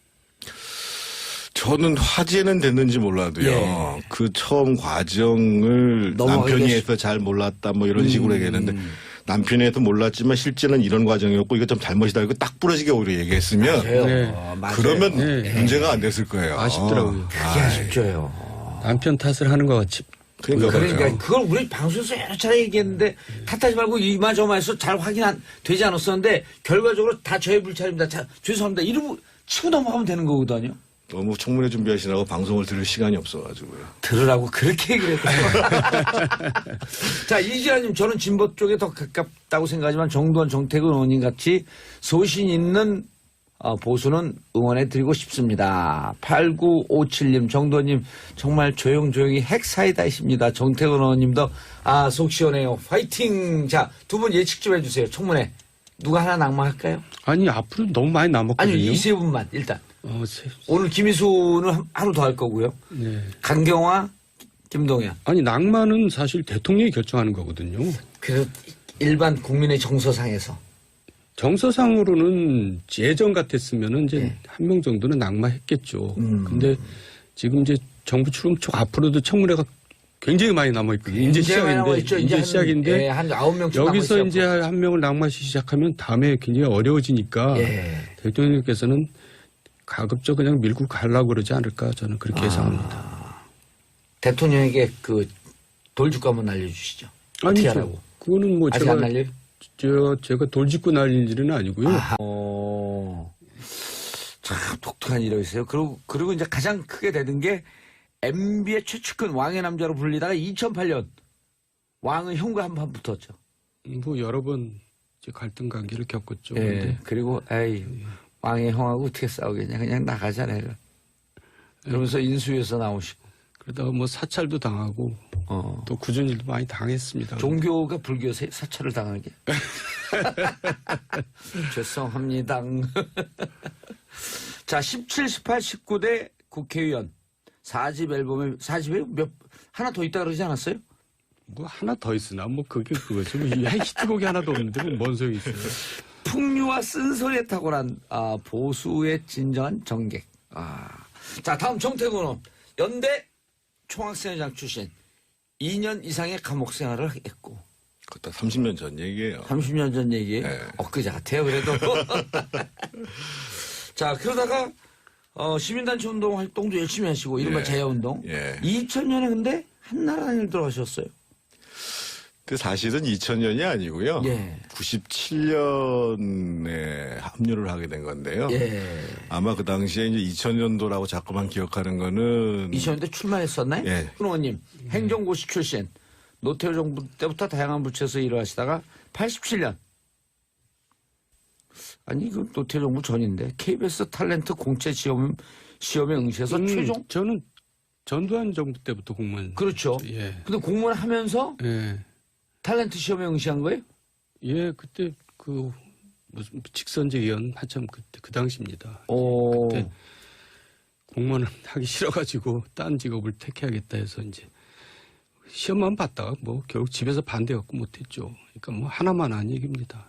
[SPEAKER 3] 저는 화제는 됐는지 몰라도요.
[SPEAKER 1] 예.
[SPEAKER 3] 그 처음 과정을
[SPEAKER 1] 넘어가기가
[SPEAKER 3] 남편이
[SPEAKER 1] 쉽-
[SPEAKER 3] 해서 잘 몰랐다 뭐 이런 식으로 얘기했는데 남편이 해서 몰랐지만 실제는 이런 과정이었고 이거 좀 잘못이다 이거 딱 부러지게 오히려 얘기했으면
[SPEAKER 1] 맞아요.
[SPEAKER 2] 네.
[SPEAKER 1] 맞아요.
[SPEAKER 3] 그러면
[SPEAKER 2] 네.
[SPEAKER 3] 문제가 안 됐을 거예요.
[SPEAKER 2] 아쉽더라고요.
[SPEAKER 1] 그게 아쉽죠요.
[SPEAKER 2] 남편 탓을 하는 것 같이.
[SPEAKER 3] 그러니까,
[SPEAKER 1] 그러니까
[SPEAKER 3] 그러니까
[SPEAKER 1] 그걸 우리 방송에서 여러 차례 얘기했는데 탓하지 말고 이마저마해서 잘 확인 안 되지 않았었는데 결과적으로 다 저의 불찰입니다. 자, 죄송합니다. 이러고 치고 넘어가면 되는 거거든요.
[SPEAKER 3] 너무 청문회 준비하시느라고 방송을 들을 시간이 없어가지고요.
[SPEAKER 1] 들으라고 그렇게 얘기를 했거든요. 자, 이지아님, 저는 진보 쪽에 더 가깝다고 생각하지만 정두원, 정태근 의원님 같이 소신 있는 어, 보수는 응원해드리고 싶습니다. 팔구오칠님, 정두원님, 정말 조용조용히 핵사이다이십니다. 정태근 의원님도, 아, 속 시원해요. 파이팅! 자, 두 분 예측 좀 해주세요. 청문회. 누가 하나 낙마할까요?
[SPEAKER 2] 아니, 앞으로 너무 많이 남았거든요.
[SPEAKER 1] 아니, 이 세 분만, 일단.
[SPEAKER 2] 어, 세,
[SPEAKER 1] 오늘 김희수는 한- 하루 더 할 거고요.
[SPEAKER 2] 네.
[SPEAKER 1] 강경화, 김동연.
[SPEAKER 2] 아니, 낭만은 사실 대통령이 결정하는 거거든요.
[SPEAKER 1] 그래도 일반 국민의 정서상에서.
[SPEAKER 2] 정서상으로는 예전 같았으면은 이제
[SPEAKER 1] 네.
[SPEAKER 2] 한 명 정도는 낙마했겠죠.
[SPEAKER 1] 음.
[SPEAKER 2] 근데 지금 이제 정부 출범 초 앞으로도 청문회가 굉장히 많이 남아있거든요. 이제
[SPEAKER 1] 굉장히 많이
[SPEAKER 2] 시작인데,
[SPEAKER 1] 남아있죠.
[SPEAKER 2] 이제
[SPEAKER 1] 한-
[SPEAKER 2] 시작인데,
[SPEAKER 1] 예, 한 아홉 명쯤
[SPEAKER 2] 여기서
[SPEAKER 1] 남아있어요,
[SPEAKER 2] 이제
[SPEAKER 1] 앞으로.
[SPEAKER 2] 한 명을 낙마시 시작하면 다음에 굉장히 어려워지니까
[SPEAKER 1] 예.
[SPEAKER 2] 대통령께서는 가급적 그냥 밀고 가려고 그러지 않을까 저는
[SPEAKER 1] 아.
[SPEAKER 2] 그렇게 예상합니다.
[SPEAKER 1] 대통령에게 그 돌직구 한번 알려주시죠. 어떻게
[SPEAKER 2] 아니죠.
[SPEAKER 1] 하라고?
[SPEAKER 2] 그거는 뭐
[SPEAKER 1] 아직
[SPEAKER 2] 제가
[SPEAKER 1] 안 날려요?
[SPEAKER 2] 저 제가 돌직구 날릴 일은 아니고요.
[SPEAKER 1] 아하. 어, 참 독특한 일이 있어요. 그리고, 그리고 이제 가장 크게 되는 게 엠비의 최측근 왕의 남자로 불리다가 이천팔 년 왕의 형과 한판 붙었죠.
[SPEAKER 2] 뭐 여러 번 이제 갈등 관계를 겪었죠.
[SPEAKER 1] 예.
[SPEAKER 2] 근데
[SPEAKER 1] 그리고 에이 왕의 형하고 어떻게 싸우겠냐 그냥 나가자 내가. 그러면서 인수위에서 나오시고.
[SPEAKER 2] 그러다가 뭐 사찰도 당하고
[SPEAKER 1] 어.
[SPEAKER 2] 또 굳은 일도 많이 당했습니다.
[SPEAKER 1] 종교가 불교 세- 사찰을 당하게. 죄송합니다. 자, 십칠, 십팔, 십구 대 국회의원 사 집 앨범에 사 집에 몇 하나 더 있다 그러지 않았어요?
[SPEAKER 2] 뭐 하나 더 있으나 뭐 그게 그거죠. 뭐 이 히트곡이 하나도 없는데 뭐 뭔 소용이 있어요.
[SPEAKER 1] 풍류와 쓴소리에 탁월한 아, 보수의 진정한 정객. 아. 자, 다음 정태근 의원. 연대 총학생회장 출신. 이 년 이상의 감옥 생활을 했고.
[SPEAKER 3] 그것도 삼십 년 전 얘기예요.
[SPEAKER 1] 삼십 년 전 얘기에
[SPEAKER 3] 네.
[SPEAKER 1] 엊그제 같아요 그래도. 자, 그러다가 어, 시민단체 운동 활동도 열심히 하시고 이른바
[SPEAKER 3] 예.
[SPEAKER 1] 제야운동.
[SPEAKER 3] 예.
[SPEAKER 1] 이천 년에 근데 한나라당을 들어가셨어요.
[SPEAKER 3] 근데 사실은 이천 년이 아니고요.
[SPEAKER 1] 예.
[SPEAKER 3] 구십칠 년에 합류를 하게 된 건데요.
[SPEAKER 1] 예.
[SPEAKER 3] 아마 그 당시에 이제 이천 년도라고 자꾸만 기억하는 거는
[SPEAKER 1] 이천 년대 출마했었나요?
[SPEAKER 3] 예.
[SPEAKER 1] 의원님 행정고시 출신. 노태우 정부 때부터 다양한 부처에서 일을 하시다가 팔십칠 년. 아니 이거 노태우 정부 전인데 케이비에스 탤런트 공채 시험 시험에 응시해서
[SPEAKER 2] 음,
[SPEAKER 1] 최종.
[SPEAKER 2] 저는 전두환 정부 때부터 공무원.
[SPEAKER 1] 그렇죠.
[SPEAKER 2] 예.
[SPEAKER 1] 근데 공무원 하면서
[SPEAKER 2] 예.
[SPEAKER 1] 탤런트 시험에 응시한 거예요?
[SPEAKER 2] 예, 그때 그 무슨 직선제 위원 한참 그때 그 당시입니다.
[SPEAKER 1] 오.
[SPEAKER 2] 그때 공무원을 하기 싫어가지고 딴 직업을 택해야겠다 해서 이제 시험만 봤다가 뭐 결국 집에서 반대갖고 못했죠. 그러니까 뭐 하나만 한 얘기입니다.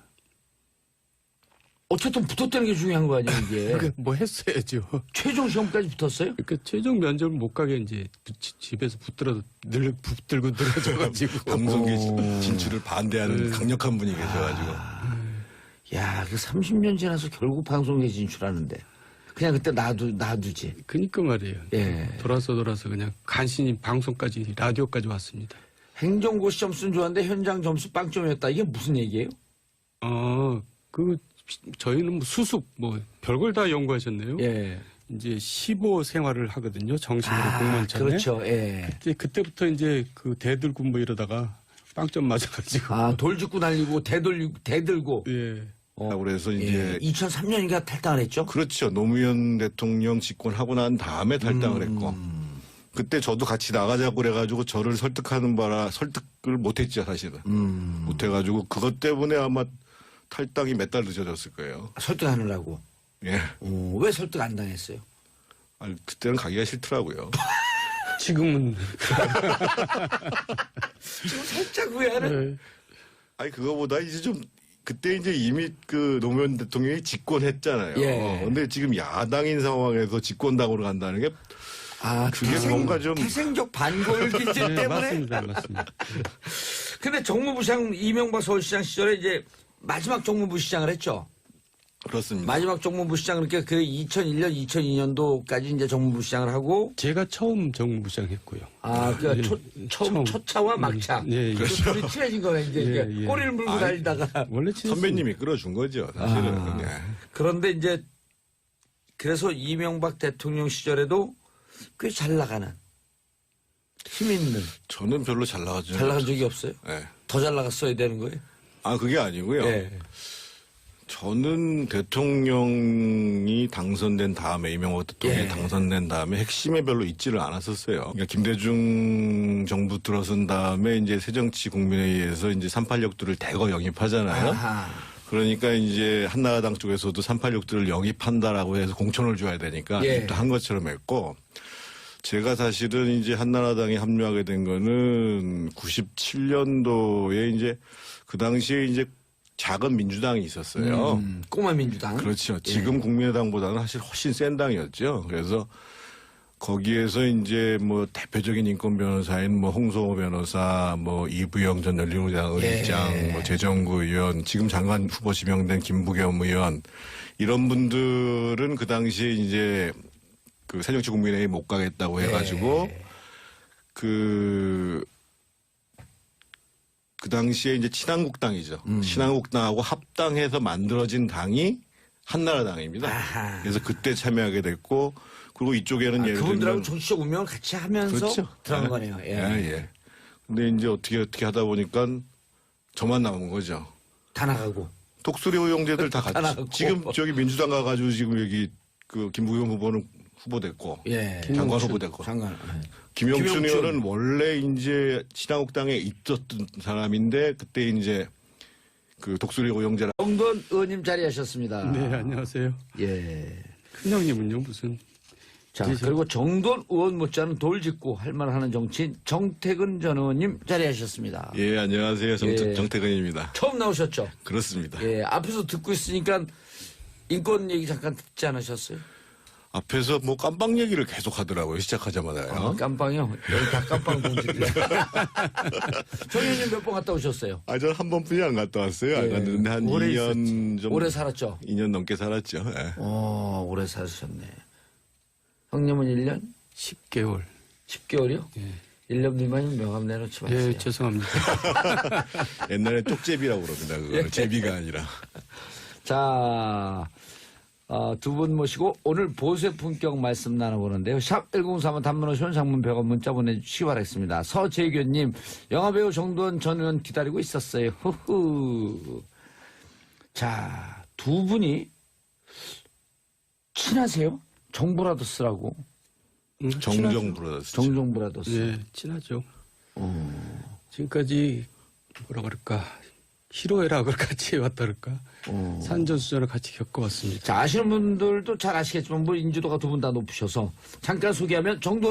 [SPEAKER 1] 어쨌든 붙었다는 게 중요한 거 아니에요, 이게.
[SPEAKER 2] 그러니까 뭐 했어야죠.
[SPEAKER 1] 최종 시험까지 붙었어요?
[SPEAKER 2] 그러니까 최종 면접을 못 가게 이제 부- 집에서 붙들어 늘 붙들고 늘어져가지고
[SPEAKER 3] 방송계
[SPEAKER 1] 오.
[SPEAKER 3] 진출을 반대하는 강력한 분이 계셔가지고.
[SPEAKER 1] 야, 그 삼십 년 지나서 결국 방송에 진출하는데. 그냥 그때 놔두, 놔두지.
[SPEAKER 2] 그니까 말이에요.
[SPEAKER 1] 예.
[SPEAKER 2] 돌아서 돌아서 그냥 간신히 방송까지 라디오까지 왔습니다.
[SPEAKER 1] 행정고시 점수는 좋았는데 현장 점수 빵점이었다. 이게 무슨 얘기예요?
[SPEAKER 2] 어, 그 저희는 뭐 수습 뭐 별걸 다 연구하셨네요.
[SPEAKER 1] 예.
[SPEAKER 2] 이제 십오 생활을 하거든요. 정식으로
[SPEAKER 1] 아,
[SPEAKER 2] 공무원처럼.
[SPEAKER 1] 그렇죠. 예.
[SPEAKER 2] 그때 그때부터 이제 그 대들고 뭐 이러다가 빵점 맞아가지고.
[SPEAKER 1] 아, 돌 짚고 날리고, 대돌, 대들고.
[SPEAKER 2] 예.
[SPEAKER 3] 그래서 이제
[SPEAKER 1] 예. 이천삼 년인가 탈당을 했죠?
[SPEAKER 3] 그렇죠. 노무현 대통령 집권하고 난 다음에 탈당을
[SPEAKER 1] 음.
[SPEAKER 3] 했고 그때 저도 같이 나가자고 그래가지고 저를 설득하는 바라 설득을 못했죠 사실은.
[SPEAKER 1] 음.
[SPEAKER 3] 못해가지고 그것 때문에 아마 탈당이 몇 달 늦어졌을 거예요.
[SPEAKER 1] 설득하느라고.
[SPEAKER 3] 예.
[SPEAKER 1] 어, 왜 설득 안 당했어요?
[SPEAKER 3] 아니, 그때는 가기가 싫더라고요.
[SPEAKER 2] 지금은
[SPEAKER 1] 지금 살짝 후회하는.
[SPEAKER 2] 네.
[SPEAKER 3] 아니 그거보다 이제 좀 그때 이제 이미 그 노무현 대통령이 집권했잖아요.
[SPEAKER 1] 예.
[SPEAKER 3] 근데 지금 야당인 상황에서 집권당으로 간다는 게
[SPEAKER 1] 아,
[SPEAKER 3] 그게
[SPEAKER 1] 태생,
[SPEAKER 3] 뭔가 좀-
[SPEAKER 1] 태생적 반골 기질
[SPEAKER 2] 네,
[SPEAKER 1] 때문에.
[SPEAKER 2] 맞습니다, 맞습니다.
[SPEAKER 1] 근데 정무부시장 이명박 서울시장 시절에 이제 마지막 정무부시장을 했죠.
[SPEAKER 3] 그렇습니다.
[SPEAKER 1] 마지막 정무부시장 그러니까 그 이천일 년, 이천이 년도까지 이제 정무부시장을 하고
[SPEAKER 2] 제가 처음 정무부시장 했고요.
[SPEAKER 1] 아, 그
[SPEAKER 2] 예,
[SPEAKER 1] 초, 처음
[SPEAKER 2] 처음.
[SPEAKER 1] 초차와 막차.
[SPEAKER 2] 예, 예.
[SPEAKER 1] 그 둘이 친해진 거네 이제
[SPEAKER 2] 예,
[SPEAKER 1] 이게
[SPEAKER 2] 예.
[SPEAKER 1] 꼬리를 물고
[SPEAKER 3] 아이,
[SPEAKER 1] 달리다가
[SPEAKER 2] 원래 친했습니다.
[SPEAKER 3] 선배님이 끌어준 거죠. 사실은.
[SPEAKER 1] 아.
[SPEAKER 3] 예.
[SPEAKER 1] 그런데 이제 그래서 이명박 대통령 시절에도 꽤 잘 나가는 힘 있는
[SPEAKER 3] 저는 별로 잘 나가죠.
[SPEAKER 1] 잘 나간 적이 없어요.
[SPEAKER 3] 예.
[SPEAKER 1] 더 잘 나갔어야 되는 거예요.
[SPEAKER 3] 아 그게 아니고요.
[SPEAKER 1] 예.
[SPEAKER 3] 저는 대통령이 당선된 다음에 이명박 대통령이
[SPEAKER 1] 예.
[SPEAKER 3] 당선된 다음에 핵심에 별로 있지를 않았었어요. 그러니까 김대중 정부 들어선 다음에 이제 새정치국민회의에서 이제 삼팔육들을 대거 영입하잖아요.
[SPEAKER 1] 아하.
[SPEAKER 3] 그러니까 이제 한나라당 쪽에서도 삼팔육들을 영입한다라고 해서 공천을 줘야 되니까
[SPEAKER 1] 예.
[SPEAKER 3] 입도 한 것처럼 했고 제가 사실은 이제 한나라당에 합류하게 된 거는 구십칠 년도에 이제 그 당시에 이제 작은 민주당이 있었어요.
[SPEAKER 1] 음, 꼬마 민주당.
[SPEAKER 3] 그렇죠. 지금 국민의당보다는 사실 훨씬 센 당이었죠. 그래서 거기에서 이제 뭐 대표적인 인권 변호사인 뭐 홍성호 변호사, 뭐 이부영 전 열린우리당 의장,
[SPEAKER 1] 예.
[SPEAKER 3] 뭐 재정구 의원, 지금 장관 후보 지명된 김부겸 의원 이런 분들은 그 당시에 이제 그 새정치국민회의 못 가겠다고 해가지고
[SPEAKER 1] 예.
[SPEAKER 3] 그. 그 당시에 이제 친한국당이죠.
[SPEAKER 1] 음.
[SPEAKER 3] 친한국당하고 합당해서 만들어진 당이 한나라당입니다.
[SPEAKER 1] 아하.
[SPEAKER 3] 그래서 그때 참여하게 됐고, 그리고 이쪽에는
[SPEAKER 1] 아,
[SPEAKER 3] 예를
[SPEAKER 1] 그분들하고
[SPEAKER 3] 들면
[SPEAKER 1] 정치적 운명을 같이 하면서
[SPEAKER 3] 그렇죠.
[SPEAKER 1] 들어간
[SPEAKER 3] 예.
[SPEAKER 1] 거네요. 예.
[SPEAKER 3] 예, 예. 근데 이제 어떻게 어떻게 하다 보니까 저만 남은 거죠.
[SPEAKER 1] 다 나가고.
[SPEAKER 3] 독수리 호용제들 다
[SPEAKER 1] 다
[SPEAKER 3] 같이.
[SPEAKER 1] 나갔고.
[SPEAKER 3] 지금 저기 민주당 가가지고 지금 여기 그 김부겸 후보는 후보 됐고,
[SPEAKER 1] 예.
[SPEAKER 3] 장관 후보 됐고.
[SPEAKER 1] 장관. 예.
[SPEAKER 3] 김용춘
[SPEAKER 1] 김용춘.
[SPEAKER 3] 의원은 원래 이제 친한국당에 있었던 사람인데 그때 이제 그 독수리 호용제라.
[SPEAKER 1] 정돈 의원님 자리하셨습니다.
[SPEAKER 2] 네, 안녕하세요.
[SPEAKER 1] 예.
[SPEAKER 2] 큰형님은요, 무슨.
[SPEAKER 1] 자,
[SPEAKER 2] 계셔.
[SPEAKER 1] 그리고 정돈 의원 못지않은 돌직구 할 만하는 정치인 정태근 전 의원님 자리하셨습니다.
[SPEAKER 3] 예, 안녕하세요. 정,
[SPEAKER 1] 예.
[SPEAKER 3] 정태근입니다.
[SPEAKER 1] 처음 나오셨죠?
[SPEAKER 3] 그렇습니다.
[SPEAKER 1] 예, 앞에서 듣고 있으니까 인권 얘기 잠깐 듣지 않으셨어요?
[SPEAKER 3] 앞에서 뭐 깜빵 얘기를 계속 하더라고요. 시작하자마자요.
[SPEAKER 1] 어, 깜빵이요? 여기 다 깜빵 동지들. 정 의원님 몇 번 갔다 오셨어요?
[SPEAKER 3] 아, 저는 한 번뿐이 안 갔다 왔어요. 안
[SPEAKER 1] 예.
[SPEAKER 3] 갔는데 한
[SPEAKER 1] 오래
[SPEAKER 3] 이 년 좀.
[SPEAKER 1] 오래 살았죠?
[SPEAKER 3] 이 년 넘게 살았죠. 예.
[SPEAKER 1] 어, 오래 사셨네. 형님은 일 년?
[SPEAKER 2] 십 개월.
[SPEAKER 1] 십 개월이요?
[SPEAKER 2] 예.
[SPEAKER 1] 일 년 미만이면 명함 내놓지 마세요.
[SPEAKER 2] 예, 죄송합니다.
[SPEAKER 3] 옛날에 쪽제비라고 그럽니다. 그걸.
[SPEAKER 1] 예.
[SPEAKER 3] 제비가 아니라.
[SPEAKER 1] 자, 어, 두 분 모시고 오늘 보세 품격 말씀 나눠보는데요. 샵 일공삼은 단문 오십 원 장문 백 원 문자 보내주시기 바라겠습니다. 서재규님, 영화배우 정도원 전 의원 기다리고 있었어요. 후후. 자, 두 분이 친하세요? 정브라더스라고.
[SPEAKER 2] 음,
[SPEAKER 3] 정정 브라더스.
[SPEAKER 1] 정정브라더스.
[SPEAKER 2] 예, 친하죠. 지금까지 뭐라 그럴까. 희로애락을 같이 해왔다 그럴까.
[SPEAKER 1] 어.
[SPEAKER 2] 산전수전을 같이 겪어왔습니다.
[SPEAKER 1] 자, 아시는 분들도 잘 아시겠지만, 뭐, 인지도가 두 분 다 높으셔서, 잠깐 소개하면 정도